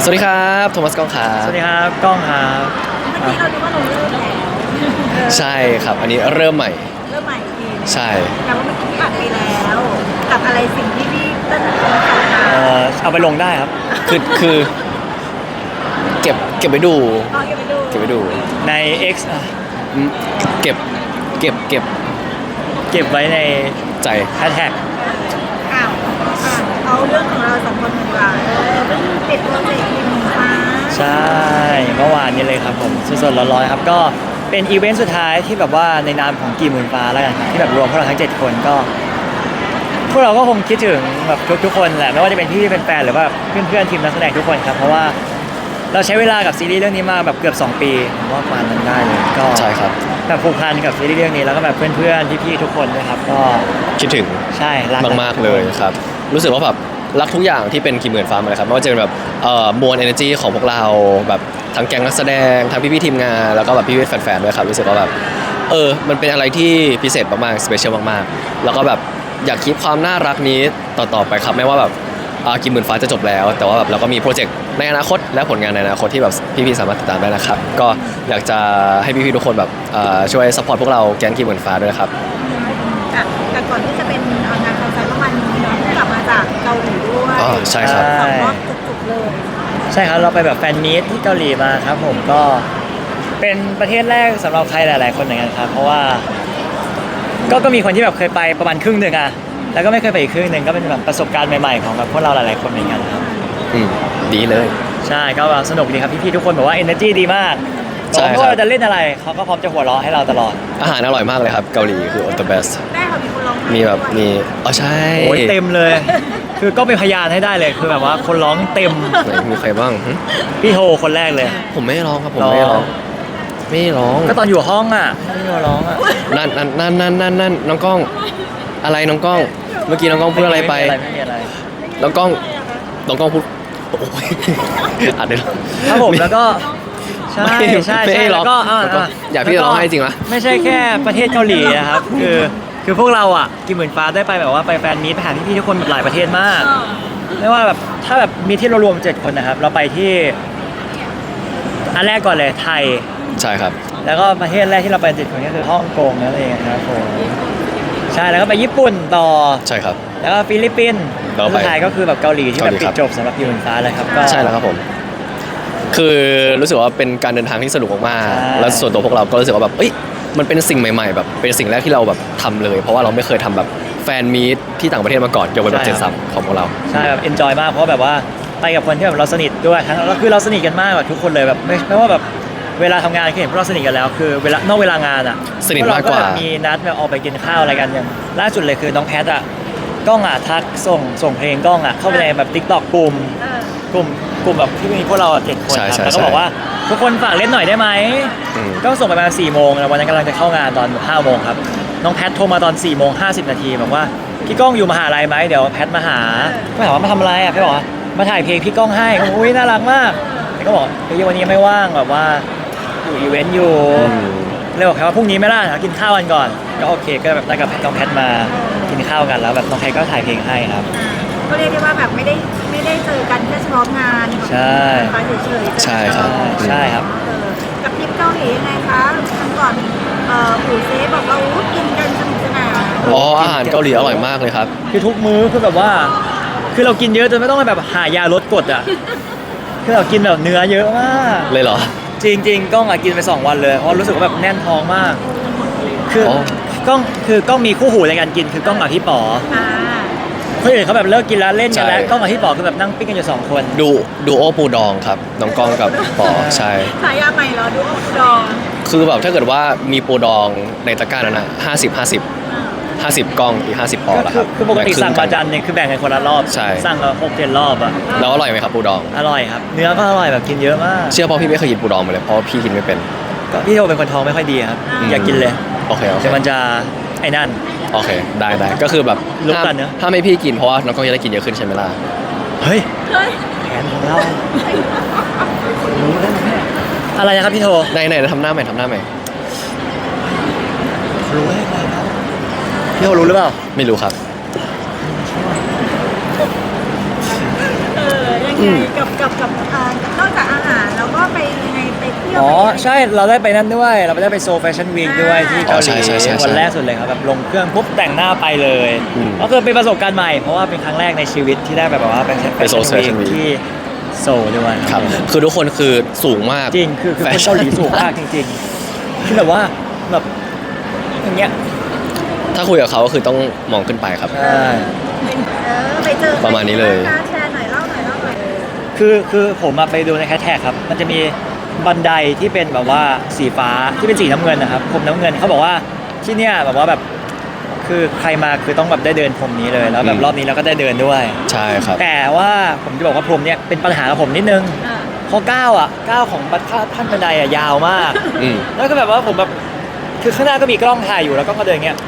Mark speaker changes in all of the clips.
Speaker 1: สวัสดีครับโทมัสก้องครั
Speaker 2: ส
Speaker 1: บ
Speaker 2: วัสดีครับก้องครับ
Speaker 3: เมื่อกี้เราดูว่าเราเริ่มแล้ว
Speaker 1: ใช่ครับอันนี้เริ่มใหม่
Speaker 3: เริ่มใหม่อีกที
Speaker 1: ใช่
Speaker 3: แต่ว่าเมื่อกี้พี่อัดไปแล้วกับอะไรสิ่งที่พี่เต้นสอนมา
Speaker 2: เอาไปลงได้ครับ
Speaker 1: คือเก็บไปดู
Speaker 3: อ๋อเก็บไปดู
Speaker 1: เก็บไปดู
Speaker 2: ใน X
Speaker 1: อืมเก็บเก็บเก็บ
Speaker 2: เก็บไว้ใน
Speaker 1: ใจ
Speaker 2: แฮชแท็ก
Speaker 3: อ้าวเอาเรื่องของเราสองคนดีกว่าเพิ่งติดโปรเจกต์ทีมมา
Speaker 2: ใช่เมื่อวานนี้เลยครับผมสดๆร้อนๆครับก็เป็นอีเวนต์สุดท้ายที่แบบว่าในนามของกี่หมื่นฟ้าแล้วกันครับที่แบบรวมพวกเราทั้ง7คนก็พวกเราก็คงคิดถึงแบบทุกคนแหละไม่ว่าจะเป็นพี่เป็นแฟนหรือว่าเพื่อนๆทีมนักแสดงทุกคนครับเพราะว่าเราใช้เวลากับซีรีส์เรื่องนี้มาแบบเกือบ2 ปีผมว่าประมาณนั้นได้เลยก็
Speaker 1: ใช่ครับ
Speaker 2: แบบผูกพันกับซีรีส์เรื่องนี้แล้วก็แบบเพื่อนๆพี่ๆทุกคนนะครับก็
Speaker 1: คิดถึง
Speaker 2: ใช่รัก
Speaker 1: มากๆเลยครับรู้สึกว่าแบบรักทุกอย่างที่เป็นกี่หมื่นฟ้าเลยครับไม่ว่าจะเป็นแบบมวล energy ของพวกเราแบบทั้งแก๊งนักแสดงทั้งพี่ๆทีมงานแล้วก็แบบพี่ๆแฟนๆด้วยครับรู้สึกว่าแบบมันเป็นอะไรที่พิเศษมากๆสเปเชียลมากๆแล้วก็แบบอยากคีปความน่ารักนี้ต่อไปครับไม่ว่าแบบกี่หมื่นฟ้าจะจบแล้วแต่ว่าแบบเราก็มีโปรเจกต์ในอนาคตและผลงานในอนาคตที่แบบพี่ๆสามารถติดตามได้นะครับก็อยากจะให้พี่ๆทุกคนแบบช่วยซัพพอร์ตพวกเราแก๊งกี่หมื่นฟ้าด้วยนะครับ
Speaker 3: แต่ก่อนที่จะเป็นงานคอนเสิร์ตเมื่อวานนี้เนาะกลับมาจากเกาหลีด้วย
Speaker 1: ใช่ครับ
Speaker 3: 2 รอบจุกๆเลย
Speaker 2: ใช่ครับเราไปแบบแฟนมีตที่เกาหลีมาครับผมก็เป็นประเทศแรกสำหรับใครหลายๆคนเหมือนกันครับเพราะว่าก็มีคนที่แบบเคยไปประมาณครึ่งหนึ่งอะแล้วก็ไม่เคยไปอีกครึ่งหนึ่งก็เป็นแบบประสบการณ์ใหม่ๆของแบบพวกเราหลายๆคนเหมือนกันครับ
Speaker 1: ดีเลย
Speaker 2: ใช่ก็สนุกดีครับพี่ๆทุกคนบอกว่า energy ดีมากบอกว่าเราจะเล่นอะไรเขาก็พร้อมจะหัวเราะให้เราตลอด
Speaker 1: อาหารอร่อยมากเลยครับเกาหลีคือ the best
Speaker 3: ได้ค่ะมีคนร้อง
Speaker 1: มีแบบมีใช่
Speaker 2: โอ้ยเต็มเลยคือก็เป็นพยานให้ได้เลยคือแบบว่าคนร้องเต็ม
Speaker 1: มีใครบ้าง
Speaker 2: พี่โฮคนแรกเลย
Speaker 1: ผมไม่ได้ร้องครับผมไม่ได้ร้อง
Speaker 2: ก็ตอนอยู่ห้องอ่ะพี่โฮร้องอ่ะ
Speaker 1: นั่นน้องกล้องอะไรน้องกล้องเมื่อกี้น้องกล้องพูดอะไรไป
Speaker 2: ไม่มีอะไร
Speaker 1: น้องกล้องพูดโอ้ยอัดได้
Speaker 2: ครับผมแล้วก็ใช่แล้วก็
Speaker 1: อยากพี่ร้องให้จริงวะ
Speaker 2: ไม่ใช่แค่ประเทศเกาหลีนะครับคือพวกเราอ่ะกี่หมื่นฟ้าได้ไปแบบว่าไปแฟนมีตไปหาพี่ๆทุกคนแบบหลายประเทศมากไม่ว่าแบบถ้าแบบมีที่เรารวม7 คนนะครับเราไปที่อันแรกก่อนเลยไทย
Speaker 1: ใช่ครับ
Speaker 2: แล้วก็ประเทศแรกที่เราไป7 คนก็คือฮ่องกงนั่นเองครับผมใช่แล้วก็ไปญี่ปุ่นต่อ
Speaker 1: ใช่ครับ
Speaker 2: แล้วก็ฟิลิปปินส์สุดท้ายก็คือแบบเกาหลีที่แบบปิดจบสำหรับกี่หมื่นฟ้าเลยครับก็
Speaker 1: ใช่แล้วครับผมคือรู้สึกว่าเป็นการเดินทางที่สนุกมากๆแล้วส่วนตัวพวกเราก็รู้สึกว่าแบบมันเป็นสิ่งใหม่ๆแบบเป็นสิ่งแรกที่เราแบบทำเลยเพราะว่าเราไม่เคยทำแบบแฟนมีตที่ต่างประเทศมาก่อนยกเว้นแบบ73ของพวกเรา
Speaker 2: ใช่แบบเอนจอยมากเพราะแบบว่าไปกับคนที่แบบเราสนิทด้วยทั้งก็คือเราสนิทกันมากแบบทุกคนเลยแบบไม่ว่าแบบเวลาทำงานคือเห็นพวกเราสนิทกันแล้วคือเวลานอกเวลางานอ่ะ
Speaker 1: สนิทมากกว่า
Speaker 2: มีนัดแบบออกไปกินข้าวอะไรกันอย่างล่าสุดเลยคือน้องแพทอ่ะก้องอ่ะทักส่งเพลงก้องอ่ะเข้าไปในแบบ TikTok กลุ่มแบบที่มีพวกเรา7 คนครับแล้วก็บอกว่าทุกคนฝากเล่นหน่อยได้ไหมก็ส่งไปประมาณ4 โมงแล้ววันนั้นกำลังจะเข้างานตอน5 โมงครับน้องแพทโทรมาตอน4 โมง 50 นาทีบอกว่าพี่ก้องอยู่มหาลัยไหมเดี๋ยวแพทมาหาก็ถามว่ามาทำอะไรอ่ะพี่บอกว่ามาถ่ายเพลงพี่ก้องให้อุ้ยน่ารักมากก็บอกเฮ้ยวันนี้ไม่ว่างแบบว่าอยู่อีเวนต์อยู่เลยบอกแค่ว่าพรุ่งนี้ไม่ล่ะกินข้าวกันก่อนก็โอเคก็แบบได้กับน้องแพทมากินข้าวกันแล้วแบบน้องแพทก็ถ่ายเพลงให้ครับ
Speaker 3: ก็เรียกได้ว่าแบบไม่ได้เจอกันแค่เฉพาะงาน
Speaker 2: ใช่
Speaker 3: เฉยๆ
Speaker 1: ใช่ครับ
Speaker 3: กับทริปเกาหลียังไงคะครั้งก่อนปู่เซฟบอกเรากินกันสนุกสนาน
Speaker 1: อาหารเกาหลีอร่อยมากเลยครับ
Speaker 2: คือทุกมื้อคือแบบว่าคือเรากินเยอะจนไม่ต้องแบบหายาลดกรดอ่ะคือเรากินแบบเนื้อเยอะมาก
Speaker 1: เลยเหรอ
Speaker 2: จริงๆก้องกินไป2 วันเลยเพราะรู้สึกว่าแบบแน่นท้องมากคือก้องมีคู่หูในการกินคือก้องกับพี่ป๋อคนอื่นเขาแบบเลิกกินแล้วเล่นกันแล้วก้องกับพี่ป๋อคือแบบนั่งปิ้งกันอยู่2 คน
Speaker 1: ดูโอปูดองครับน้องก้องกับป๋อใช่
Speaker 3: ฉายาใหม่เหรอดูโอปูดอง
Speaker 1: คือแบบถ้าเกิดว่ามีปูดองในตะกร้านั้นนะ50กล้องอีก50 ปอแล้วครับ
Speaker 2: คือปกติสั่งประจานเนี่ยคือแบ่งกันคนละรอบสั่งละ6-7 รอบอ่ะ
Speaker 1: แล้วอร่อยไหมครับปูดอง
Speaker 2: อร่อยครับเนื้อก็อร่อยแบบกินเยอะมาก
Speaker 1: เชื่อเพราะพี่ไม่เคยกินปูดองมาเลยเพราะพี่กินไม่เป็น
Speaker 2: ก็พี่โทเป็นคนท้องไม่ค่อยดีครับอยากกินเลย
Speaker 1: โอเค
Speaker 2: แต่มันจะไอ้นั่น
Speaker 1: โอเคได้ก็คือแบบถ้าไม่พี่กินเพราะว่าน้องก็จะได้กินเยอะขึ้นใช่ไหมล่ะ
Speaker 2: เฮ้ยแผนของเราอะไรนะครับพี่โท
Speaker 1: ไหนทำหน้าใหม่
Speaker 2: รู้ได้ไงครับพี่โทรู้หรือเปล่า
Speaker 3: ย
Speaker 1: ไม่รู้ครับ
Speaker 3: ไงกับนอกจากอาหารแล้วก็ไปยังไงไปเที่ยว
Speaker 2: อ๋อ
Speaker 3: ไป
Speaker 2: ใช่เราได้ไปนั่นด้วยเราได้ไปโซแฟชั่นวีคด้วยที่เกาห
Speaker 1: ใช่
Speaker 2: ลี
Speaker 1: ใช่ใช่
Speaker 2: วันแรกสุดเลยครับแบบลงเครื่องปุ๊บแต่งหน้าไปเลย
Speaker 1: อืม
Speaker 2: ก็คือเป็นประสบการณ์ใหม่เพราะว่าเป็นครั้งแรกในชีวิตที่ได้แบบว่าไป
Speaker 1: ไป Seoul Fashion Week
Speaker 2: ที่โซลด้วย
Speaker 1: ครับคือทุกคนคือสูงมาก
Speaker 2: จริงคือคนเกาหลีสูงมากจริงๆคือแบบว่าแบบอย่างเงี้ย
Speaker 1: ถ้าคุยกับเขาก็คือต้องมองขึ้นไปครับ
Speaker 2: ใช่
Speaker 3: ไปเจอ
Speaker 1: ประมาณนี้เลย
Speaker 3: การแชร์หน่อยเล่าหน่อย
Speaker 2: คือผมไปดูในแฮชแท็กครับมันจะมีบันไดที่เป็นแบบว่าสีฟ้าที่เป็นสีน้ำเงินนะครับพรมน้ำเงินเขาบอกว่าที่เนี่ยแบบว่าแบบคือใครมาคือต้องแบบได้เดินพรมนี้เลยแล้วแบบรอบนี้เราก็ได้เดินด้วย
Speaker 1: ใช่ครับ
Speaker 2: แต่ว่าผมจะบอกว่าพรมเนี่ยเป็นปัญหากับผมนิดนึงเพราะก้าวของขั้นบันไดอ่ะยาวมาก
Speaker 1: อืม
Speaker 2: แล้วก็แบบว่าผมแบบคือข้างหน้าก็มีกล้องถ่ายอยู่แล้วก็เดินอย่างเงี้ย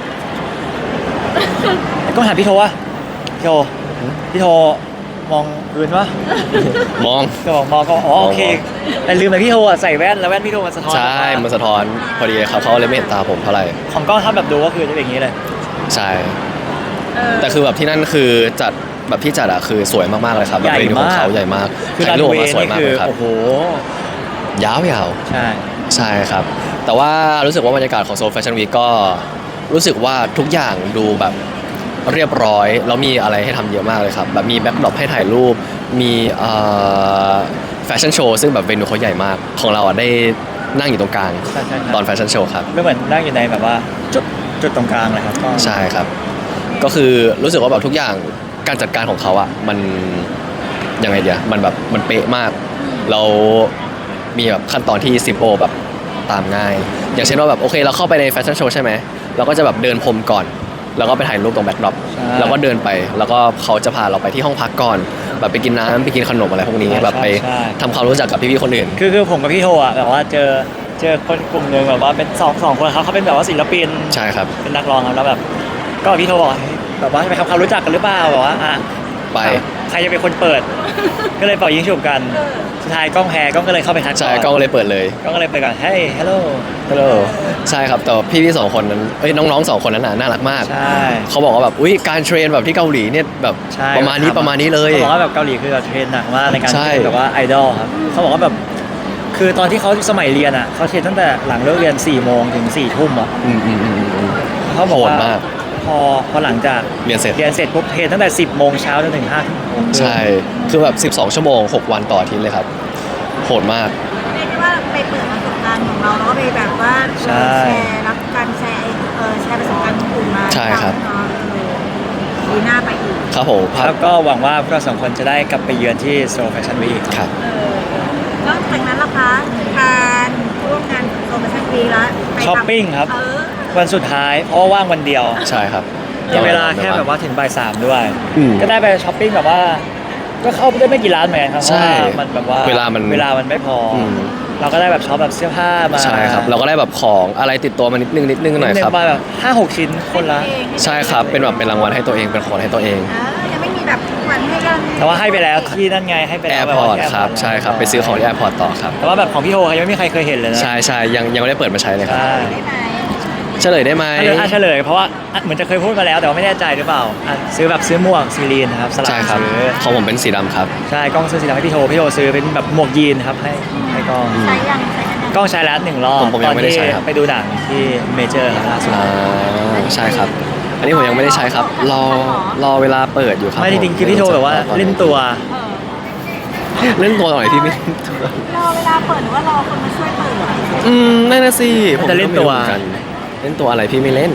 Speaker 2: กล้องถ่ายพี่โทวะพี่โทมองพื้นวะ
Speaker 1: มอง
Speaker 2: ก็บอกมองก็อ๋อโอเคแต่ลืมไปพี่โทใส่แว่นแล้วแว่นพี่โทมันสะท้อน
Speaker 1: ใช่มันสะท้อนพอดีครับเขาเลยไม่เห็นตาผมเท่าไหร่
Speaker 2: ของกล้องถ้าแบบดูก็คือจะเป็นอย่างนี้เลย
Speaker 1: ใช่ แต่คือแบบที่นั่นคือจัดแบบที่จัดอะคือสวยมากๆเลยครับแบบเวทีของเขาใหญ่มาก
Speaker 2: คือ
Speaker 1: ถ่า
Speaker 2: รั
Speaker 1: ย
Speaker 2: น
Speaker 1: รูปอ
Speaker 2: เว
Speaker 1: อกมา
Speaker 2: ย์
Speaker 1: สวย
Speaker 2: นี่
Speaker 1: มาก
Speaker 2: คื
Speaker 1: เล
Speaker 2: อย
Speaker 1: ครับ
Speaker 2: โอ้โห
Speaker 1: ยาว
Speaker 2: ใช่
Speaker 1: ๆใช่ครับ แต่ว่ารู้สึกว่าบรรยากาศของโซลแฟชั่นวีก็รู้สึกว่าทุกอย่างดูแบบเรียบร้อยแล้วมีอะไรให้ทำเยอะมากเลยครับแบบมีแบ็คดรอปให้ถ่ายรูปมีแฟชั่นโชว์ซึ่งแบบเวนูเขาใหญ่มากของเราอะได้นั่งอยู่ตรงกลาง
Speaker 2: ใช่
Speaker 1: ตอนแฟชั่นโชว์ครับ
Speaker 2: ก็เหมือนนั่งอยู่ในแบบว่าจุดตรงกลางเลยครับก็
Speaker 1: ใช่ครับ ก็คือรู้สึกว่าแบบทุกอย่างการจัดการของเขาอะมันยังไงเดียมันแบบมันเป๊ะมาก เรามีแบบขั้นตอนที่ซิมโ e แบบตามง่าย อย่างเช่นว่าแบบโอเคเราเข้าไปในแฟชั่นโชว์ใช่ไหมเราก็จะแบบเดินพรมก่อน แล้วก็ไปถ่ายรูปตรงแบ็คดรอป
Speaker 2: ใช่
Speaker 1: แล้วก็เดินไปแล้วก็เขาจะพาเราไปที่ห้องพักก่อน แบบไปกินน้ำไปกินขนมอะไรพวกนี้แบบไปทำความรู้จักกับพี่ๆคนอื่น
Speaker 2: คือผมกับพี่โทอ่ะแบบว่าเจอคนกลุ่มหนึ่งแบบว่าเป็นสองคนเขาเป็นแบบว่าศิลปิน
Speaker 1: ใช่ครับ
Speaker 2: เป็นนักร้องครับแล้วแบบก็พี่โทบอกว่าเฮ้ยแบบว่าไปทำความรู้จักกันหรือเปล่าบอกว่า
Speaker 1: ไป
Speaker 2: ใครจะเป็นคนเปิด ก็เลยเป่ายิงฉุบกันสุดท้ายกล้องแพ้กล้องก็เลยเข้าไปทัก
Speaker 1: ใช่ก็เลยเปิดเลย
Speaker 2: กล้องก็เลยไปก่อนเฮ้ยฮัลโหล
Speaker 1: ฮัลโหลใช่ครับแต่พี่ๆสองคนนั้นน้องๆสองคนนั้นน่ารักมาก
Speaker 2: ใช่
Speaker 1: เขาบอกว่าแบบอุ้ยการเทรนแบบที่เกาหลีเนี่ยแบบ
Speaker 2: ใช่
Speaker 1: ประมาณนี้เลย
Speaker 2: เขาบอกว่าแบบเกาหลีคือแบบเทรนหนักมากในการ
Speaker 1: ใช่
Speaker 2: เป็นแบบว่าไอดอลครับเขาบอกว่าแบบคือตอนที่เขาสมัยเรียนอ่ะเขาเทรนตั้งแต่หลังเลิกเรียน4 โมงถึง4 ทุ่มอ่ะ
Speaker 1: อืม
Speaker 2: เขาบอกว่า
Speaker 1: โหดมาก
Speaker 2: พอหลังจาก
Speaker 1: เรียนเสร็จ
Speaker 2: ปุ๊บเทรนตั้งแต่10 โมงเช้าจนถึง5 ทุ่ม
Speaker 1: ใช่คือแบบ12 ชั่วโมง 6 วันต่ออาทิตย์เลยครับโหดมาก
Speaker 3: เรียกได้ว่าไปเปิดประสบการณ์ของเราแล้วก็ไปแบบว่าแชร์รับการแชร์แชร์ประสบการณ์ของกลุ่มมา
Speaker 1: ใช่ครับ
Speaker 3: ดีหน้าไปอีก
Speaker 1: ครับผมภาพ
Speaker 2: แล้วก็หวังว่าพวกเราสองคนจะได้กลับไปเยือนที่โซลแฟชั่นวีค
Speaker 1: ครับ
Speaker 3: นอกจากนั้นล่ะคะการร่วมงานโซนแฟชั่นวีแล้วไป
Speaker 2: ช้อปปิ้งครับ
Speaker 3: เออ
Speaker 2: วันสุดท้ายเพราะว่าว่างวันเดียว
Speaker 1: ใช่ครับ
Speaker 2: มีเวลาแค่แบบว่าถึงบ่าย 3ด้วย
Speaker 1: อืม
Speaker 2: ก็ได้ไปช้อปปิ้งแบบว่า ก็เข้าไปได้ไม่กี่ร้านเหมือนกันครับเพ
Speaker 1: ใช่
Speaker 2: ราะว่ามันแบบว่า
Speaker 1: เวลามัน
Speaker 2: ไม่พออ
Speaker 1: ม
Speaker 2: เราก็ได้แบบช็อปแบบเสื้อผ้ามา
Speaker 1: ใช่ครับเราก็ได้แบบของอะไรติดตัวมานิดนึงหน่อยครับ
Speaker 2: มาแบบ5-6 ชิ้นคนละ
Speaker 1: ใช่ครับเป็นแบบเป็นรางวัลให้ตัวเองเป็นของให้ตัวเอง
Speaker 3: ยังไม่มีแบบขวัญให้กัน
Speaker 2: แต่ว่าให้ไปแล้วที่นั่นไงให้ไป
Speaker 1: แอ
Speaker 2: แล้ว
Speaker 1: ร์
Speaker 2: แบบ
Speaker 1: พอ
Speaker 2: ว่า
Speaker 1: ร์ต
Speaker 2: ที่
Speaker 1: ครับ
Speaker 2: Airport
Speaker 1: ใช่ครับไปซื้อของที่แอร์พอร์ตต่อครับ
Speaker 2: แต่ว่าแบบของพี่โทยังไม่มีใครเคยเห็นเลยนะ
Speaker 1: ใช่ยังไม่ได้เปิดมาใช้เลยครับ
Speaker 2: ใช่
Speaker 3: ได้ไหม
Speaker 1: เฉลยได้ไหม
Speaker 2: เฉลยเพราะว่าเหมือนจะเคยพูดมาแล้วแต่ว่าไม่แน่ใจหรือเปล่าซื้อแบบซื้อหมวกซีรีนนะครับสลับ
Speaker 1: ใช่ครับ
Speaker 2: ซื้อ
Speaker 1: ของผมเป็นสีดำครับ
Speaker 2: ใช่กล้องซื้อสีดำให้พี่โทซื้อเป็นแบบหมวกยีนครับให้กล้อง
Speaker 3: ใช้ยังใช้กันยัง
Speaker 2: กล้องใช้แล้ว1 รอบ
Speaker 1: ผมยังไม่ได้ใช้ครับ
Speaker 2: ไปดูหนังที่เมเจอร์ครับล่าสุด
Speaker 1: ใช่ครับ อันนี้ผมยังไม่ได้ใช้ครับ รอเวลาเปิดอยู่ครับ
Speaker 2: ไม่จริงๆคือพี่โทแบบว่าเล่นตัว
Speaker 1: เล่นตัวหน่อยพี่ไม่
Speaker 3: รอเวลาเปิดหรือว่ารอคนมาช่วยเปิด
Speaker 1: นั่นน่ะสิผม
Speaker 2: จะเล่นตัว
Speaker 1: ก็ไม่รู้หมือกันเล่นตัวอะไรพี่ไม่เล่น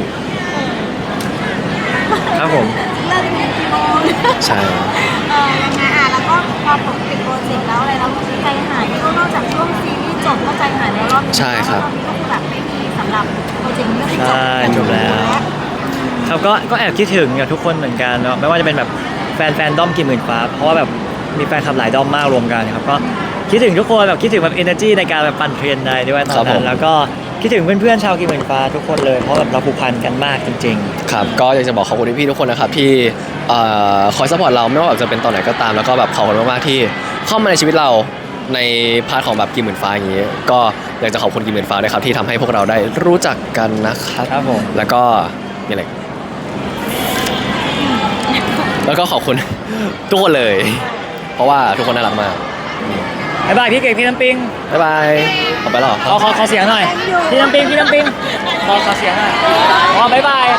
Speaker 2: ครับผม
Speaker 3: เลิกเป็นกี่โมง
Speaker 1: ใช่
Speaker 3: ยังไงแล้วก็พอผมปิดโปรเจกต์แล้วอะไรแล้วใจหายที่นอกจากช่วงซีรีส์จบก็ใจหายแล้วรอบนี้
Speaker 1: ใช่ครับ
Speaker 3: รอบนี้ก็คือแบบไม่มีสำหรับโปรเจกต์เรื่องที่จบ
Speaker 2: ใช่จบแล้ว เขาก็แอบคิดถึงกับทุกคนเหมือนกันเนาะไม่ว่าจะเป็นแบบแฟนด้อมกี่หมื่นฟ้าเพราะว่าแบบมีแฟนคลับหลายด้อมมากรวมกันครับก็คิดถึงทุกคนแบบคิดถึงแบบ energy ในการแบบปั่นเทรนได้ด้วยตอนนั้นแล้วก็คิดถึงเพื่อนๆชาวกี่หมื่นฟ้าทุกคนเลยเพราะแบบเราผูกพันกันมากจริง
Speaker 1: ครับก็อยากจะบอกขอบคุณพี่ๆทุกคนนะครับที่คอยซัพพอร์ตเราไม่ว่าแบบจะเป็นตอนไหนก็ตามแล้วก็แบบขอบคุณมากๆที่เข้ามาในชีวิตเราในพาร์ทของแบบกี่หมื่นฟ้าอย่างนี้ก็อยากจะขอบคุณกี่หมื่นฟ้าด้วยครับที่ทำให้พวกเราได้รู้จักกันนะครับ
Speaker 2: ครับผม
Speaker 1: แล้วก็นี่แหละแล้วก็ขอบคุณ ทุกคนเลยราะว่าทุกคนน่ารักมาก
Speaker 2: บ๊ายบายพี่เก่งพี่น้ำปิง
Speaker 1: บ๊ายบายออกไปหรอ
Speaker 2: ขอเสียงหน่อยพี่น้ำปิงขอเสียงหน่อยบ๊ายบาย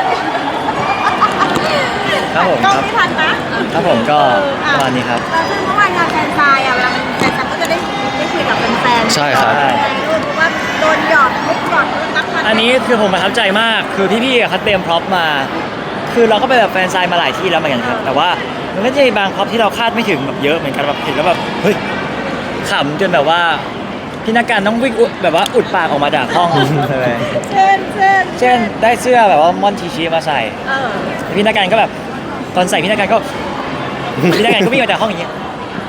Speaker 2: ครับผม
Speaker 3: กล้อง
Speaker 2: ครับ
Speaker 3: ไม่ทันนะครับ
Speaker 2: ผมก็ประมาณนี้ครับ
Speaker 3: แล้วซึ่งเมื่อวานงานแฟนซายอ่ะเวลาแฟนซายก็จะได้คุยกับแฟนๆ
Speaker 1: ใช่ครับ
Speaker 3: เพราะว่าโดนหยอดมุกหยอดนักพัน
Speaker 2: อันนี้คือผมประทับใจมากคือพี่ๆเขาเตรียมพร็อพมา คือเราก็ไปแบบแฟนไซน์มาหลายที่แล้วเหมือนกันครับแต่ว่ามันก็จะมีบางพร็อพที่เราคาดไม่ถึงแบบเยอะเหมือนกันแบบเห็นแล้วแบบเฮ้ยขำจนแบบว่าพี่นักการต้องวิ่งแบบว่าอุดปากออกมาจากห้องเลย
Speaker 3: เช่น
Speaker 2: ได้เสื้อแบบว่ามอนทีชีมาใส่
Speaker 3: เออ
Speaker 2: พี่นักการก็แบบตอนใส่พี่นักการก็พี่นักการก็วิ่งออกจากห้องอย่างเงี้ย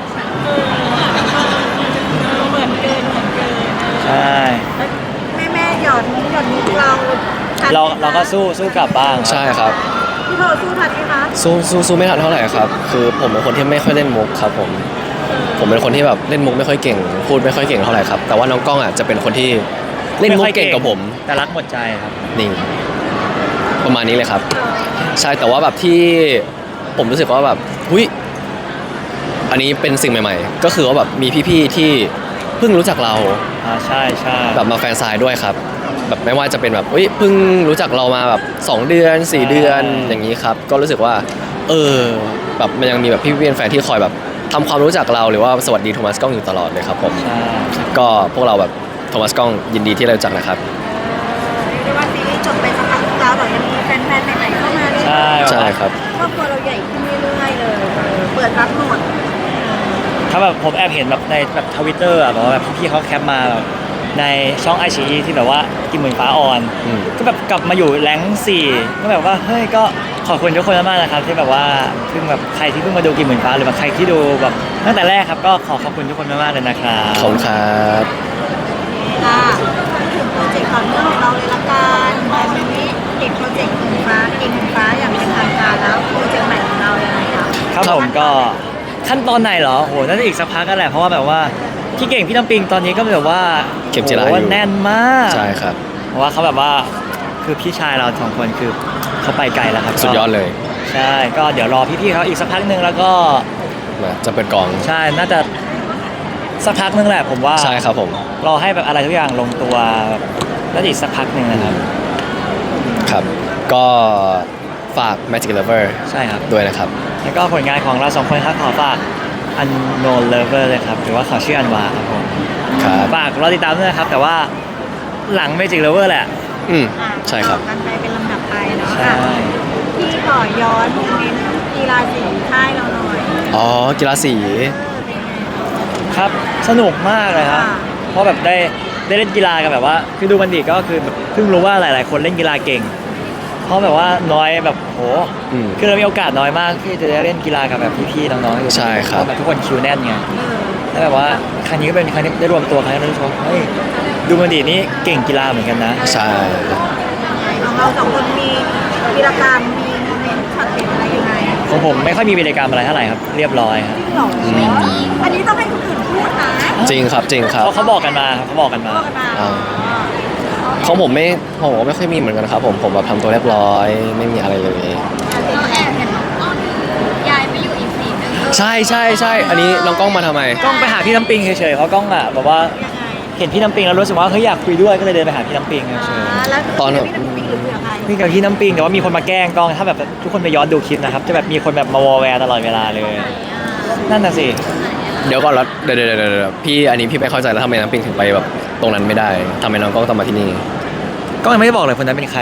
Speaker 3: เหมือนเกิน
Speaker 2: ใช่
Speaker 3: แม่หยอดมุกเราทันไหมคะ
Speaker 2: เราก็สู้กลับบ้าง
Speaker 1: ใช่ครับ
Speaker 3: พี่โทสู้ทันไหมคะ
Speaker 1: สู้ไม่ทันเท่าไหร่ครับ คือผมเป็นคนที่ไม่ค่อยเล่นมุกครับผมเป็นคนที่แบบเล่นมุกไม่ค่อยเก่ง พูดไม่ค่อยเก่งเท่าไหร่ครับแต่ว่าน้องกล้องอ่ะจะเป็นคนที่เล่นมุกเก่งกว่าผม
Speaker 2: แต่รักหมดใจครับ
Speaker 1: นี่ประมาณนี้เลยครับ ใช่แต่ว่าแบบที่ผมรู้สึกว่าแบบหุ้ยอันนี้เป็นสิ่งใหม่ๆ ก็คือว่าแบบมีพี่ๆที่เพิ่งรู้จักเรา
Speaker 2: ใช่
Speaker 1: แบบมาแฟนไซน์ด้วยครับแบบไม่ว่าจะเป็นแบบเพิ่งรู้จักเรามาแบบ2 เดือน 4 เดือนอย่างนี้ครับก็รู้สึกว่าแบบมันยังมีแบบพี่ๆแฟนที่คอยแบบทำความรู้จักเราหรือว่าสวัสดีโทมัสกล้องอยู่ตลอดเลยครับผม
Speaker 2: ใช่
Speaker 1: ก็พวกเราแบบโทมัสกล้องยินดีที่ได้รู้จักนะครับ
Speaker 3: เรียกได้ว่าซีรีส์จบไปสักพักแล้วแต่ยังมีแฟนๆใหม่ๆเข้ามาเรื่อย
Speaker 1: ใช่ครับ
Speaker 3: ครอบครัวเราใหญ่ขึ้นเรื่อยๆเลยเปิดรับหมด
Speaker 2: ถ้าแบบผมแอบเห็นแบบในแบบทวิตเตอร์แบบว่าแบบพี่ๆเขาแคปมาแบบในช่องไอชีที่แบบว่ากินหมื่นฟ้าออน
Speaker 1: อืม
Speaker 2: ก็แบบกลับมาอยู่แรงค์4ก็แบบว่าเฮ้ยก็ขอบคุณทุกคนมากๆนะครับที่แบบว่าเพิ่งแบบใครที่เพิ่งมาดูกินหมื่นฟ้าหรือว่าใครที่ดูแบบตั้งแต่แรกครับก็ขอบคุณทุกคนมากๆเลยนะครับ
Speaker 1: ขอบคุณครับ
Speaker 3: ค่ะพูดถึงโปรเจกต์ต่อเนื่องของเราเลยละกันวันนี้เด็กโปรเจกต์หมื่นฟ้าเก่งหมื่นฟ้าอย่างเป็นทางการแล้วโปรเจกต์ใหม่ของเรายังไงคะ
Speaker 2: ครับผมก็ขั้นตอนไหนเหรอโหน่าจะอีกสักพักกันแหละเพราะว่าแบบว่าพี่เก่งพี่น้ำปิงตอนนี้ก็แบบว่า
Speaker 1: เข็มจิรา
Speaker 2: โห
Speaker 1: อยู่
Speaker 2: แน่นมาก
Speaker 1: ใช่ครับ
Speaker 2: เพราะว่าเขาแบบว่าคือพี่ชายเราสองคนคือเขาไปไกลแล้วครับ
Speaker 1: สุดยอดเลย
Speaker 2: ใช่ก็เดี๋ยวรอพี่ๆเขาอีกสักพักหนึ่งแล้วก็
Speaker 1: มาจะเปิดกอง
Speaker 2: ใช่น่าจะสักพักหนึงแหละผมว่า
Speaker 1: ใช่ครับผม
Speaker 2: รอให้แบบอะไรทุกอย่างลงตัวแบบแล้วอีกสักพักหนึ่งนะครับ
Speaker 1: ครับ ก็ฝาก Magic Lover
Speaker 2: ใช่ครับ
Speaker 1: ด้วยนะครับ
Speaker 2: แล้วก็ผลงานของเราสองคนครับขอฝาก Unknown Lover เลยครับหรือว่าขอชื่ออันวาครับผม
Speaker 1: ครับ
Speaker 2: ฝากรอติดตามด้วยนะครับ แต่ว่าหลัง Magic Lover แหละ
Speaker 1: ใช่ครับ
Speaker 3: กันไปเป็นลำดับไปเนาะ
Speaker 2: ใช่
Speaker 3: ค่ะพี่ขอย้อนโมเมนต์กีฬาสีค่ายเราหน่อย
Speaker 1: อ๋อ กีฬาสี
Speaker 3: เป็นไง
Speaker 2: ครับสนุกมากเลยครับ
Speaker 3: ค่ะ
Speaker 2: เพราะแบบได้เล่นกีฬากันแบบว่า คือดูบันดีก็คือแบบเพิ่งรู้ว่าหลาย ๆ คนเล่นกีฬาเก่ง เพราะแบบว่าน้อยแบบโห
Speaker 1: อืม
Speaker 2: คือเรามีโอกาสน้อยมากที่จะได้เล่นกีฬากับแบบพี่ๆน้องๆอยู่
Speaker 1: ใช่ครับ
Speaker 2: เพาะแบบทุกคนคิวแน่นไง
Speaker 3: เออ
Speaker 2: แล้วแบบว่าครั้งนี้ก็เป็นครั้งที่ได้รวมตัวครั้งที่เราชมเฮ้ยดูบันดีนี่เก่งกีฬาเหมือนกันนะ
Speaker 1: ใช่
Speaker 3: ของเราสองคนมีวีรกรรมมีโมเมนต์ช็อตเด็ดอะไรยังไง
Speaker 2: ของผมไม่ค่อยมีวิรกรรมอะไรเท่าไหร่ครับเรียบร้อยครับ
Speaker 3: หรออันนี้ต้องให้คนอื่นพูดนะ
Speaker 1: จริงครับจริงครับ
Speaker 2: เขาบอกกันมาครับเขาบอกกันมา
Speaker 3: พูดกันมา
Speaker 1: อ่า ของผมไม่ค่อยมีเหมือนกันครับผมแบบทำตัวเรียบร้อยไม่มีอะไรเลย
Speaker 3: เราแอบเห็นน้องอ้อนยายไปอยู่อีกสีนึง
Speaker 1: ใช่อันนี้น้องกล้องมาทำไม
Speaker 2: กล้องไปหาพี่น้ำปิงเฉยๆเพราะกล้องอ่ะแบบว่า
Speaker 3: ยังไง
Speaker 2: เห็นพี่น้ำปิงแล้วรู้สึกว่าเฮ้ยอยากคุยด้วยก็เลยเดินไปหาพี่น้ำปิงเฉย
Speaker 3: แล้ว
Speaker 1: ตอน
Speaker 3: พี่น้ำปิงหรือเพื่อใคร
Speaker 2: ๆคุยกับพี่น้ำปิงแต่ว่ามีคนมาแกล้งกล้องถ้าแบบทุกคนไปย้อนดูคลิปนะครับจะแบบมีคนแบบมาวอลแวร์ตลอดเวลาเลย นั่นน่ะสิ
Speaker 1: เดี๋ยวก่อนแล้วเดี๋ยวพี่อันนี้พี่ไม่เข้าใจแล้วทำไมน้ำปิงถึงไปแบบตรงนั้นไม่ได้ทำไมน้องกล้องต้องมาที่นี่
Speaker 2: กล้องยังไม่ได้บอกเลยคนนั้นเป็นใคร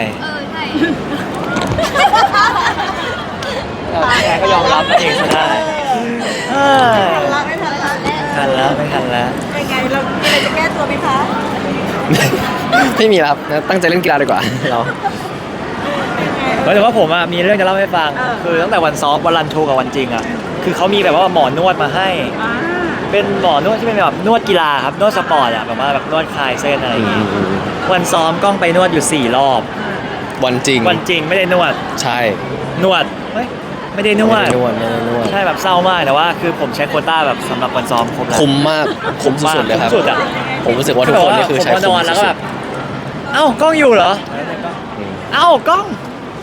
Speaker 2: แกก็ยอมรับเองซะได้
Speaker 3: ทันละไม่ทันละ
Speaker 2: ทันแล้วไม่ทันแล้ว
Speaker 3: เป็นไงเรามีอะไรจะแก้ตัวไหมคะ
Speaker 1: ไม่มีแล้วครับตั้งใจเล่นกีฬาดีกว่าเรา
Speaker 2: แต่ว่าผมอะมีเรื่องจะเล่าให้ฟัง คือตั้งแต่วันซ้อมวันรันทรูกับวันจริงอะคือเขามีแบบว่าหมอนวดมาให้
Speaker 3: อ่า
Speaker 2: เป็นหมอนวดที่เป็นแบบนวดกีฬาครับนวดสปอร์ตอะแบบว่าแบบนวดคลายเส้นอะไรอย่างงี้วันซ้อมกล้องไปนวดอยู่4 รอบ
Speaker 1: วันจริง
Speaker 2: วันจริงไม่ได้นวด
Speaker 1: ใช่
Speaker 2: นวดเฮ้ยไม่ได้นวด
Speaker 1: ไม่ได้นวด
Speaker 2: ใช่แบบเศร้ามากแต่ว่าคือผมใช้โควต้าแบบสำหรับวันซ้อมครบแล้ว
Speaker 1: คุ้มมากคุ้มสุดๆเลยครับ
Speaker 2: คุ้มสุดอะ
Speaker 1: ผมรู้สึกว่าทุกคนนี่คือใช้
Speaker 2: ผมก็น
Speaker 1: คุ้
Speaker 2: อ
Speaker 1: ม
Speaker 2: นแล้วก็
Speaker 1: สุ
Speaker 2: แบ
Speaker 1: ด
Speaker 2: บเอ้ากล้องอยู่เหรอ
Speaker 1: ๆอืม
Speaker 2: เอ้ากล้อง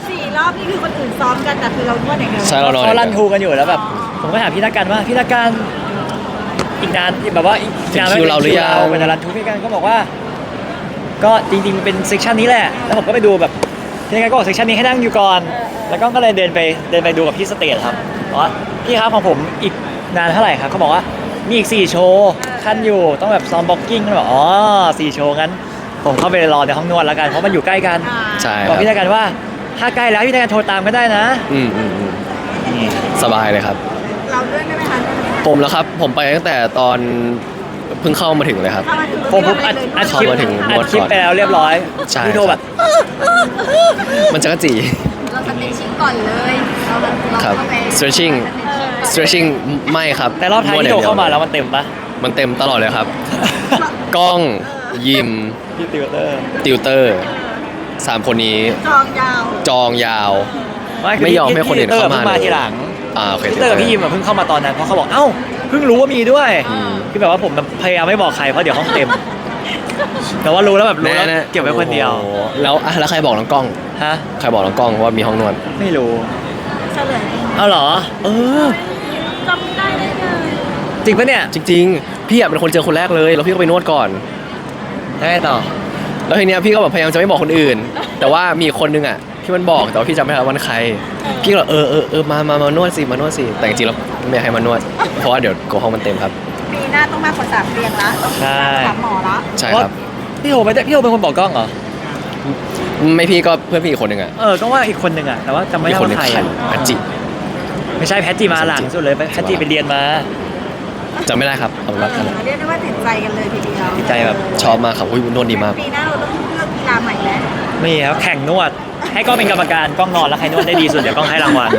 Speaker 3: 4 รอบนี่คือคนอื่นซ้อมกันแต่คือเรานวดอย่างเดียว
Speaker 1: ใช่เรานอน
Speaker 2: เขารันทูกันอยู่แล้วแบบผมก็ถามพี่นักการว่าพี่นักการอีกนานแบบว่าอีกนาน
Speaker 1: ถึงคิวเราหรือยัง
Speaker 2: เป็นรันทูพี่นักการก็บอกว่า ก็จริงๆมันเป็นเซกชันนี้แหละแล้วผมก็ไปดูแบบพี่นักการก็บอกเซกชันนี้ให้นั่งอยู่ก่อน แล้วก็เลยเดินไปดูกับพี่สเตทครับบอกว่าพี่ครับของผมอีกนานเท่าไหร่ครับเขาบอกว่ามีอีก4โชว์ขั้นอยู่ต้องแบบซ้อมบ็อกกิ้งก็บอกอ๋อ4โชว์งั้นผมเข้าไปรอในห้องนวดแล้วกันเพราะมันอยู่ใกล้กัน
Speaker 1: ใช่ค
Speaker 2: บอ
Speaker 1: รั
Speaker 2: ก
Speaker 1: บ
Speaker 2: พี่นักการว่าถ้าใกล้แล้วพี่นักการโทรตามก็ได้นะ
Speaker 1: อืมสบายเลยครับ
Speaker 3: เราด้วยได้ไหมคะ
Speaker 1: ผมแล้วครับผมไปตั้งแต่ตอนเพิ่งเข้ามาถึงเลยครับ
Speaker 3: ถ้ามาถึง
Speaker 2: ผมอัดคลิป
Speaker 1: เข้ามาถึง
Speaker 2: อัดคลิปไปแล้วเรียบร้อย
Speaker 1: ใช่
Speaker 2: พี่โทรแบบ
Speaker 1: มันจะกระจี
Speaker 3: เราสเตชิ่งก่อนเลยเรา
Speaker 1: ครับ
Speaker 3: เข้าไป
Speaker 1: stretching stretching ไม่ครับ
Speaker 2: แต่รอบท้ายที่โทรเข้ามาแล้วมันเต็มปะ
Speaker 1: มันเต็มตลอดเลยครับ กล้องยิม
Speaker 2: พี่ติวเตอร์
Speaker 1: ติวเตอร์สามคนนี้
Speaker 3: จองยาว
Speaker 1: จองยาว
Speaker 2: คื
Speaker 1: ไม่ยอมให้คนอื่นเข้ามา
Speaker 2: พี่ติวตอร์เพิ่งมา
Speaker 1: เลย
Speaker 2: ทีหลัง
Speaker 1: โอเค
Speaker 2: พี่เตอร์กับพี่ยิมอะเพิ่งเข้ามาตอนนั้นเพราะเขาบอกเอ้าเพิ่งรู้ว่ามีด้วย
Speaker 1: อืม
Speaker 2: คือแบบว่าผมแบบพยายามไม่บอกใครเพราะเดี๋ยวห้องเต็ม แต่ว่ารู้แล้วแบบรู้แล้ว
Speaker 1: แน่ๆ
Speaker 2: เก็บไว้คนเดียว
Speaker 1: โอ้โหแล้วใครบอกน้องกล้อง
Speaker 2: ฮะ
Speaker 1: ใครบอกน้องกล้องว่ามีห้องนวด
Speaker 2: ไม่รู้
Speaker 3: เฉลย
Speaker 2: เอาเหรอ
Speaker 1: เออ
Speaker 3: จำไม่ได้เลย
Speaker 2: จริงปะเนี่ย
Speaker 1: จริงๆ พี่อะเป็นคนเจอคนแรกเลย แล้วพี่ก็ไปนวดก่อน
Speaker 2: ได้ต่อ
Speaker 1: แล้วทีเนี้ยพี่ก็แบบพยายามจะไม่บอกคนอื่น แต่ว่ามีคนนึงอ่ะที่มันบอกแต่ว่าพี่จำไม่ได้ว่ามันใคร พี่ก็เลยมานวดสิมานวดสิแต่จริงๆแล้วไม่อยากให้มานวด เพราะว่าเดี๋ยวโกห้องมันเต็มครับ
Speaker 3: ปีหน้าต้องมากกว่า3 เรียงละ
Speaker 2: ใช่
Speaker 3: ถามหมอละ
Speaker 1: ใช่
Speaker 2: เพราะ
Speaker 1: ครับ
Speaker 2: พี่โทรไปพี่โทรเป็นคนบอกกล้องเหรอ
Speaker 1: ไม่พี่ก็เพื่อนพี่อีกคนนึงอ่ะ
Speaker 2: ก็ว่าอีกคนหนึ่งอะแต่ว่าจำไม่
Speaker 1: อี
Speaker 2: ได้
Speaker 1: กคนนึ
Speaker 2: ว่าง ใคร
Speaker 1: ใคร
Speaker 2: อะ
Speaker 1: พัจจิ
Speaker 2: ไม่ใช่แพทจีมาหลังสุดเลยแพทจีไปเรียนมา
Speaker 1: จำไม่ได้ครับเอาเป็นว่านั่นแหละ
Speaker 3: เรียกได้ว่าติดใจกันเลยทีเดียว
Speaker 2: ติดใจแบบ
Speaker 1: ชอบมากครับอุ้ยนวดดีมาก
Speaker 3: ปีหน้าเราต้องเลือกกีฬาใหม่แล้ว
Speaker 2: นี่ครับแข่งนวด ให้กล้องเป็นกรรมการกล้องนอนแล้วใครนวดได้ดีสุดเดี๋ยวกล้องให้รางวัล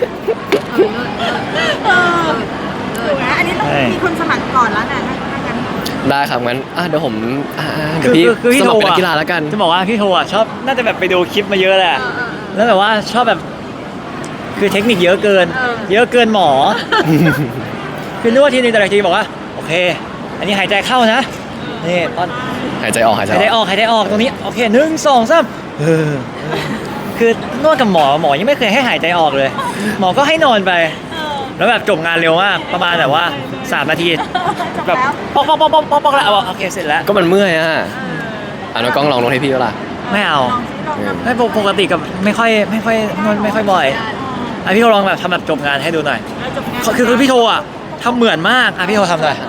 Speaker 3: ถูกไหมอันนี้ต้อง
Speaker 2: ใช่
Speaker 3: มีคนสมัครก่อนแล้วนะถ้างั้น
Speaker 1: ได้ครับงั้นเดี๋ยวผมเดี๋ยวพี่
Speaker 2: คือพี่
Speaker 1: ส
Speaker 2: โท
Speaker 1: มัครเป็นนั
Speaker 2: รอะ
Speaker 1: กกีฬาแล้วกัน
Speaker 2: จะบอกว่าพี่โทอะชอบน่าจะแบบไปดูคลิปมาเยอะแหละแล้วแบบว่าชอบแบบ คือเทคนิคเยอะเกิน เยอะเกินหมอ คือนวดทีนึงแต่ละทีบอกว่าโอเค อันนี้หายใจเข้านะนี่ตอน
Speaker 1: หายใจออกหายใจ
Speaker 2: หายใจ
Speaker 1: อ
Speaker 2: อ
Speaker 1: อก
Speaker 2: อกหายใจออกตรงนี้โอเค1 2 3คือนวดกับหมอยังไม่เคยให้หายใจออกเลย หมอก็ให้นอนไป แล้วแบบจบงานเร็วมากประมาณแบบว่า3 นาทีแบบปอกแล้วโอเคเสร็จแล้ว
Speaker 1: ก็มันเมื่อยน้องกล้องลองนวดให้พี่ก็ล่ะ
Speaker 2: ไม่เอา
Speaker 3: ลองซิลองทำ
Speaker 2: ไม่ปกติกับไม่ค่อยนวดไม่ค่อยบ่อยอ่ะพี่โทลองแบบทำแบบจบงานให้ดูหน่อย
Speaker 3: แล้วจบงาน
Speaker 2: คือพี่โทอ่ะทำเหมือนมากอ่ะพี่โททำหน่อย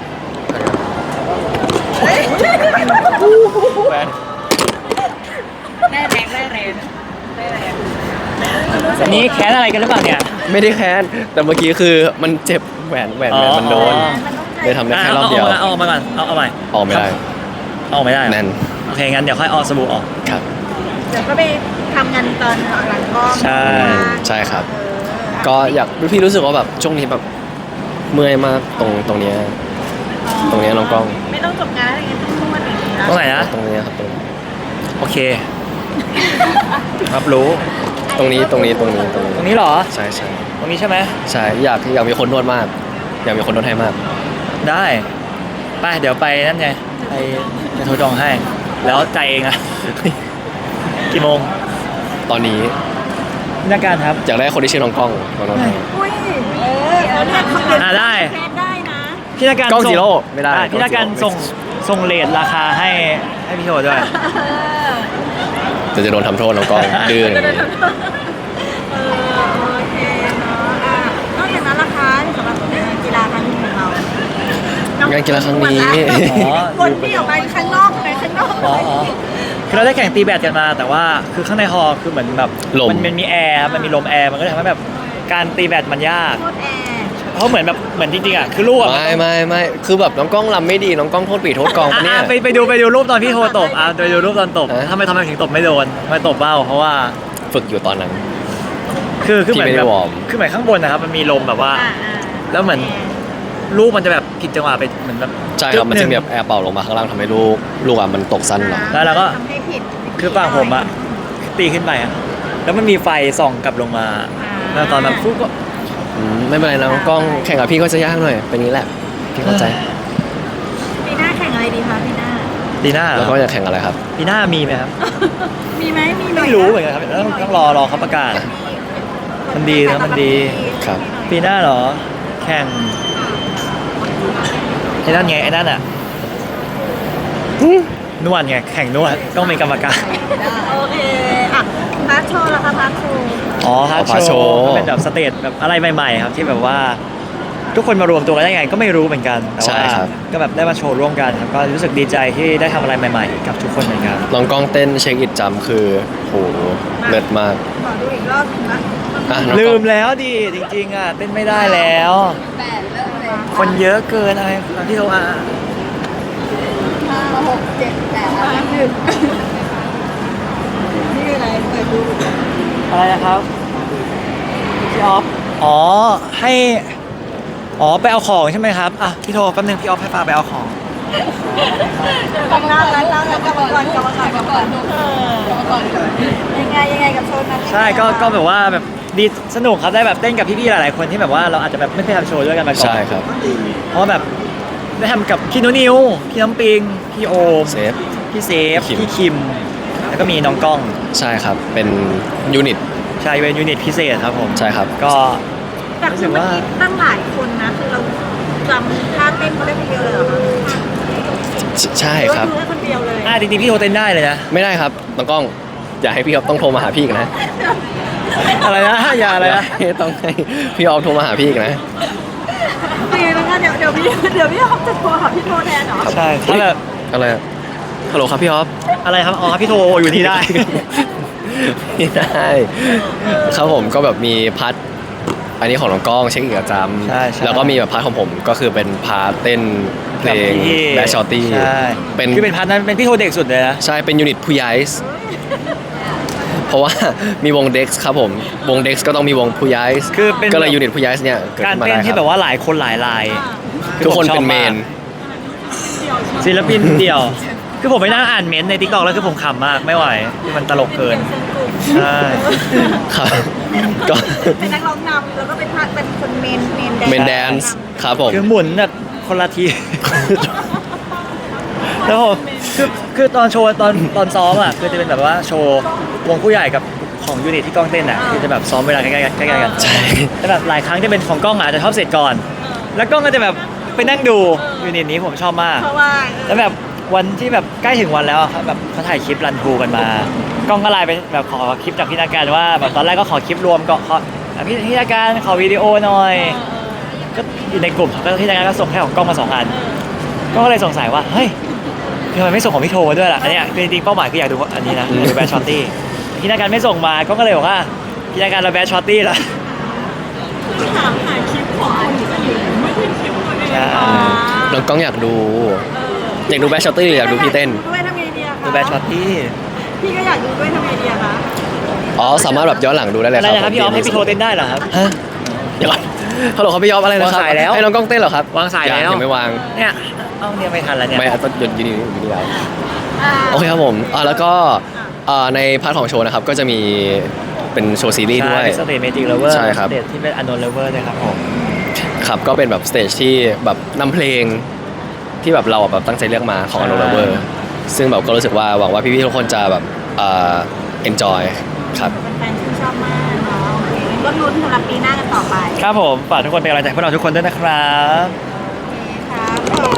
Speaker 3: ได้แรงได้แรงได้แรง
Speaker 2: อันนี้แค้นอะไรกันหรือเปล่าเนี่ย
Speaker 1: ไม่ได้แค้นแต่เมื่อกี้คือมันเจ็บแหวนมันโดน
Speaker 2: อ๋อ
Speaker 1: เลยทำได้แค่รอบเดียว
Speaker 2: เอาออกมาก่อนเอาใหม่
Speaker 1: ออกไม่ได้
Speaker 2: เอาไม่ได้เหรอ
Speaker 1: แน่น
Speaker 2: โอเคงั้นเดี๋ยวค่อยเอาสบู่ออก
Speaker 1: ครับ
Speaker 3: เดี๋ยวก็ไปทำงานตอนหลังกล้อง
Speaker 2: ใช่
Speaker 1: ใช่ครับ ก็อยากพี่รู้สึกว่าแบบช่วงนี้แบบเมื่อยมากตรงเนี้ย ตรงเนี้ยน้องกล้อง
Speaker 3: ไม่ต้องจบงานอะไรเงี้ยต้องนวดอย่างนี้นะ
Speaker 2: ตรงไหนนะ
Speaker 1: ตรงเนี้ยครับตรง
Speaker 2: โอเครับรู้
Speaker 1: ตรงนี้
Speaker 2: ตรงนี้เหรอ
Speaker 1: ใช่ใช่
Speaker 2: ตรงนี้ใช่ไหม
Speaker 1: ใช่อยากมีคนนวดมาก อยากมีคนนวดให้มาก
Speaker 2: ได้ไปเดี๋ยวไปนั่นไงไปจะโทรจองให้ แล้วใจายเองอะ กี่โมง
Speaker 1: ตอนนี้
Speaker 2: พี่นักการครับ
Speaker 1: อยากได้คนที่ชื่อน้องกล้องมานวดให้
Speaker 3: อุ้ยเขาเรียกเขาเรียก
Speaker 2: ได้
Speaker 3: แพทได้นะ
Speaker 2: พี่นักการ
Speaker 1: กล้อง
Speaker 2: ส่
Speaker 1: จีโร่ไม่ได้
Speaker 2: พี่นักการ
Speaker 1: กล้องจีโร่
Speaker 2: ส่งเลทราคาให้พี่โทรด้วย
Speaker 1: จะโดนทำโทษน้องกล้องดื้ออย่างนี้
Speaker 3: โอเคเนาะนอกจากนั้นราคาสำหรับกีฬาครั้งนี้ของเรา
Speaker 1: งานกีฬาครั้งนี้
Speaker 2: อ๋อ
Speaker 3: วนที่ออกไปข้างนอกไปข้างนอก
Speaker 2: อ๋อคือเราได้แข่งตีแบดกันมา แต่ว่าคือข้างในฮอลล์คือเหมือนแบบ
Speaker 1: ลม
Speaker 2: มันมีแอร์ครับมันมีลมแอร์มันก็เลยทำให้แบบการตีแบดมันยาก
Speaker 3: โคตรแอร์
Speaker 2: เพราะเหมือนจริงๆอ่ะคือลูกอ่ะ
Speaker 1: ไม่คือแบบน้องกล้องรำไม่ดีน้องกล้องโทษปีโทษกองปะเนี่ย
Speaker 2: ไปดูรูปตอนพี่โทรตบไปดูรูปตอนตบ
Speaker 1: ฮะ
Speaker 2: ทำไมถึงตบไม่โดนทำไมตบเบ้าเพราะว่า
Speaker 1: ฝึกอยู่ตอนนั้น
Speaker 2: คือเหมือน
Speaker 1: ที่ไม่
Speaker 2: แบ
Speaker 1: ได้
Speaker 2: บ
Speaker 1: วอร์ม
Speaker 2: คือเหมือนข้างบนนะครับมันมีลมแบบว่า
Speaker 3: อ่า
Speaker 2: แล้วเหมือนลูกมันจะแบบผิดจังหวะไปเหมือนแบบ
Speaker 1: ใช่ครับมันจะมี
Speaker 2: แบ
Speaker 1: แบบแอร์เป่าลงมาข้างล่างทำให้ลูกมันตกสั้นหน่อย
Speaker 2: แล้วเราก็
Speaker 3: ทำให้ผิด
Speaker 2: คือฝั่งผมอะตีขึ้นไปอะแล้วมันมีไฟส่องกลับลงมา แล้วตอนแบบฟุ๊กก็
Speaker 1: ไม่เป็นไรนะน้องกล้องแข่งกับพี่ก็จะยากหน่อยเป็นนี้แหละพี่เข้าใจ
Speaker 3: ปีหน้าแข่งอะไรดีคะปีหน้า
Speaker 2: ปีหน้าเหร
Speaker 1: แล้
Speaker 2: อ
Speaker 1: วก็จะแข่งอะไรครับ
Speaker 2: ปีหน้ามีไหมครับ
Speaker 3: มีไหมมีหน่อย
Speaker 2: ไม่รู้เหมือนกันครับต้องรอเขาประกาศ มันดีนะมันดี
Speaker 1: ครับ
Speaker 2: ปีหน้าเหรอ แข่งไอ้นั่นไงไอ้นั่นอ่ะนวดไงแข่งนวดต้องมีกรรมการ
Speaker 3: โอเคอ่ะพาร์ทโชว์ละคะพาร์ทโชว์
Speaker 2: อ๋อฮาร์ด
Speaker 1: Hard
Speaker 2: โช
Speaker 1: Show
Speaker 2: ว์ก็เป็นแบบสเตจแบบอะไรใหม่ๆครับที่แบบว่า ทุกคนมารวมตัวกันได้ไงก็ไม่รู้เหมือนกันแต่
Speaker 1: ใช่
Speaker 2: ว่า
Speaker 1: ครับ
Speaker 2: ก็แบบได้มาโชว์ร่วมกันครับก็รู้สึกดีใจที่ได้ทำอะไรใหม่ๆ กับทุกคนเหมือนกัน
Speaker 1: น้องกล้องเต้นเช็คอิดจำคือโหเลิศมาก
Speaker 3: ขอดูอีกรอบหนึงนะ
Speaker 1: อ่ะน้อง
Speaker 2: ลื
Speaker 1: กล้อง
Speaker 2: มแล้วดิจริงๆอ่ะเต้นไม่ได้แล้ว คนเยอะเกินอะไรที่เรา
Speaker 3: นี่คืออะไรเปิดดู
Speaker 2: อะไรนะครับพี่ออฟอ๋อให้อ๋อไปเอาของใช่ไหมครับอ่ะพี่โทรแป๊บนึงพี่ออฟให้ฟ้าไปเอาของ
Speaker 3: กลับมาแล้วกลับมาก่อนยังไงกับโชว์นั้น
Speaker 2: ใช่ก็แบบว่าแบบดีสนุกครับได้แบบเต้นกับพี่ๆหลายๆคนที่แบบว่าเราอาจจะแบบไม่เคยทำโชว์ด้วยกันมาก่อน
Speaker 1: ใช่ครับ
Speaker 2: เพราะว่าแบบได้ทำกับพี่นุนิวพี่น้ำปิงพี่โอม
Speaker 1: เซฟ
Speaker 2: พี่เซฟ
Speaker 1: พี่คิม
Speaker 2: พี่คิม แล้วก็มีน้องกล้อง
Speaker 1: ใช่ครับเป็นยูนิต
Speaker 2: ใช่เป็นยูนิตพิเศษครับผม
Speaker 1: ใช่ครับ
Speaker 2: ก็
Speaker 3: แต่คือเมื่อกี้ตั้งหลายคนนะคือเราจำท่าเต้นเขาได้คนเดียวเลยเหรอคะ
Speaker 1: ใช่ครับ
Speaker 3: ดูได้คนเดียวเลย
Speaker 2: จริงๆพี่โทรเต้นได้เลยนะ
Speaker 1: ไม่ได้ครับน้องกล้องอย่าให้พี่ออฟต้องโทรมาหาพี่อีกนะ
Speaker 2: อะไรนะอย่าอะไรนะ
Speaker 1: ย่าให้ต้องให้พี่ออฟโทรมาหาพี่อีกนะ
Speaker 3: โอเคแล้วก็เดี๋ยวพี่ฮอปจะโทรหาพี่โทรแทนเหรอ
Speaker 2: ใช่ถ้าแบบ
Speaker 1: อะไรอะฮัลโหลครับพี่ออฟ
Speaker 2: อะไรครับอ๋อพี่โทรอยู่ที่ได้
Speaker 1: ไม่ได้ครับผมก็แบบมีพาร์ทอันนี้ของน้องกล้องเช็คอีกประจ
Speaker 2: ใช่
Speaker 1: ำแล้วก็มีแบบพาร์ทของผมก็คือเป็นพาร์ทเต้นเพลงแบชชอตตี้
Speaker 2: ใช่
Speaker 1: เป็น
Speaker 2: คือเป็นพาร์ทนั้นเป็นพี่โทรเด็กสุดเลยนะ
Speaker 1: ใช่เป็นยูนิตผู้ย้ายเพราะว่ามีวงเด็กครับผมวงเด็กก็ต้องมีวงผู้ย้าย
Speaker 2: คือเป็น
Speaker 1: ก็เลยยูนิตผู้ย้ายเนี่ยเกิด
Speaker 2: การ
Speaker 1: ขึ้นมา
Speaker 2: เต้น
Speaker 1: ได้ค
Speaker 2: ที่
Speaker 1: รับ
Speaker 2: แบบว่าหลายคนหลายลาย
Speaker 1: ทุกคนเป็นเมน
Speaker 2: ศิลปินเดี่ยว คือผมไปนั่งอ่านเม้นต์ในทิกตอกแล้วคือผมขำมากไม่ไหวคือมันตลกเกิน ใช่
Speaker 1: ครับก็
Speaker 3: เป็นนักร้องนำแล้วก็เป็นคนเมน
Speaker 1: เมนแดนซ์ครับผม
Speaker 2: คือหมุนแบบคนละที แล้วผมคือตอนโชว์ตอนซ้อมอ่ะคือจะเป็นแบบว่าโชว์วงผู้ใหญ่กับของยูนิตที่กล้องเต้นอ่ะคือจะแบบซ้อมเวลาใกล้ๆกัน
Speaker 1: ใช่
Speaker 2: แต่แบบหลายครั้งจะเป็นของกล้องอาจจะชอบเสร็จก่อน แล้วกล้องก็จะแบบไปนั่งดูยูนิตนี้ผมชอบมาก
Speaker 3: เพราะว่า
Speaker 2: แล้วแบบวันที่แบบใกล้ถึงวันแล้วอะครับแบบเขาถ่ายคลิปรันทรูกันมา กล้องก็ไลน์ไปแบบขอคลิปจากพี่นาการว่าแบบตอนแรกก็ขอคลิปรวมก็ขอพี่นาการขอวิดีโอหน่อย ก็อยู่ในกลุ่มก็พี่นาการก็ส่งแค่ของกล้องมา2 อันก็เลยสงสัยว่าเฮ้ยทำไมไม่ส่งของพี่โทมาด้วยล่ะอันเนี้ยคือจริงๆเป้าหมายคืออยากดูอันนี้นะอยากดูแบชช็อตตี้พี่นาการไม่ส่งมาก็เลยบอกว่าพี่นาการเราแบชช็อตตี้ละ
Speaker 3: ถามหาคลิปของคนอื่นไม่ใช่คลิปตัวเอง
Speaker 2: ใช่
Speaker 1: น้องกล้องอยากดูแบชชอตตี้หรืออยากดูพี่เต้น
Speaker 3: ด้วยทำไงดีอะคะ
Speaker 2: ดูแบชช็อตตี้
Speaker 3: พี่ก็อยากดูด้วยทำไงดีอะคะ
Speaker 1: อ๋อสามารถแบบย้อนหลังดูได้เลย
Speaker 2: อะ
Speaker 1: ค
Speaker 2: ไร
Speaker 1: รับ
Speaker 2: นะครับพี่ออฟให้พี่โทเต้นได้เหรอครับ
Speaker 1: ฮะเดี๋ยวก่อนฮัลโหลครับพี่ออฟอะไรนะครับ
Speaker 2: วางสายแล้ว
Speaker 1: ให้น้องกล้องเต้นเหรอครับ
Speaker 2: วางสายแล้ว
Speaker 1: ยังไม่วาง
Speaker 2: เนี่ยเอาเนี่ยไม่ทันแล้วเนี่ย
Speaker 1: ไม่ต้องหยุดอยู่นี่แล้วโอเคครับผมแล้วก็ในพาร์ทของโชว์นะครับก็จะมีเป็นโชว์ซีรีส์ด้วย
Speaker 2: สเตจเมจิกเลเวอร์
Speaker 1: ใช่ครับ
Speaker 2: สเตจที่เป็นอนนเลเวอร์ด้วยครับผม
Speaker 1: ครับก็เป็นแบบสเตจที่แบบนำเพลงที่แบบเราแบบตั้งใจเลือกมาของ
Speaker 2: ใช่
Speaker 1: อ n น l เวอร์ซึ่งแบบก็รู้สึกว่าหวังว่าพี่ๆทุกคนจะแบบenjoy ครับ
Speaker 3: แฟนๆชื่นชอบมากเนาะโอเคงั้นก็ลุ้นสำหรับปีหน้ากันต่อไป
Speaker 2: ครับผมฝากทุกคนเป็นกำลังใจให้พวกเราทุกคนด้วยนะครับ
Speaker 3: ครับ